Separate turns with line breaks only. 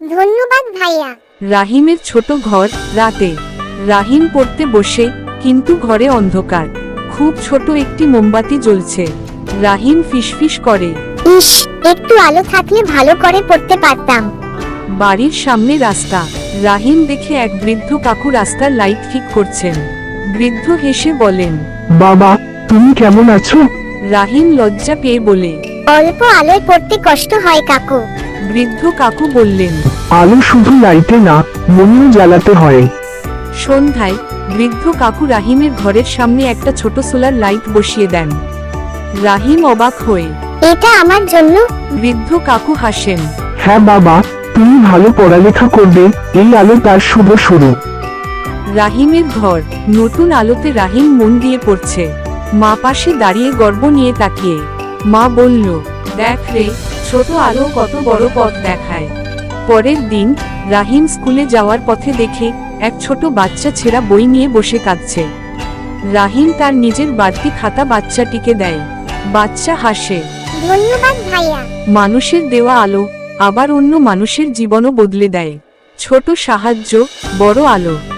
ধন্যবাদ ভাইয়া।
রাহিমের ছোট ঘর। রাতে রাহিম পড়তে বসে, কিন্তু ঘরে অন্ধকার। খুব ছোট একটি মোমবাতি জ্বলছে। রাহিম ফিসফিস করে,
ইস, একটু আলো থাকলে ভালো করে পড়তে পারতাম।
বাড়ির সামনে রাস্তা। রাহিম দেখে এক বৃদ্ধ কাকু রাস্তার লাইট ঠিক করছেন। বৃদ্ধ হেসে বলেন,
বাবা, তুমি কেমন আছো?
রাহিম লজ্জা পেয়ে বলে,
অল্প আলোয় পড়তে কষ্ট হয় কাকু।
বৃদ্ধ কাকু বললেন।
আলো শুধু লাইটে না, মনেও জ্বালাতে হয়।
সন্ধ্যায় বৃদ্ধ কাকু রাহিমের ঘরের সামনে একটা ছোট সোলার লাইট বসিয়ে দেন। রাহিম অবাক হয়ে,
এটা আমার জন্য?
বৃদ্ধ কাকু হাসেন।
হ্যাঁ বাবা, তুমি ভালো পড়ালেখা করবে, এই আলো তার শুভ শুরু।
রাহিমের ঘর। নতুন আলোতে রাহিম মন দিয়ে পড়ছে। মা পাশে দাঁড়িয়ে গর্ব নিয়ে তাকিয়ে। মা বলল, দেখ রে, ছোট আলো কত বড় পথ দেখায়। পরের দিন রাহিম স্কুলে যাওয়ার পথে দেখে এক ছোট বাচ্চা ছেঁড়া বই নিয়ে বসে কাঁদছে। রাহিম তার নিজের বাড়তি খাতা বাচ্চাটিকে দেয়। বাচ্চা হাসে।
ধন্যবাদ ভাইয়া।
মানুষের দেওয়া আলো আবার অন্য মানুষের জীবনও বদলে দেয়। ছোট সাহায্য, বড় আলো।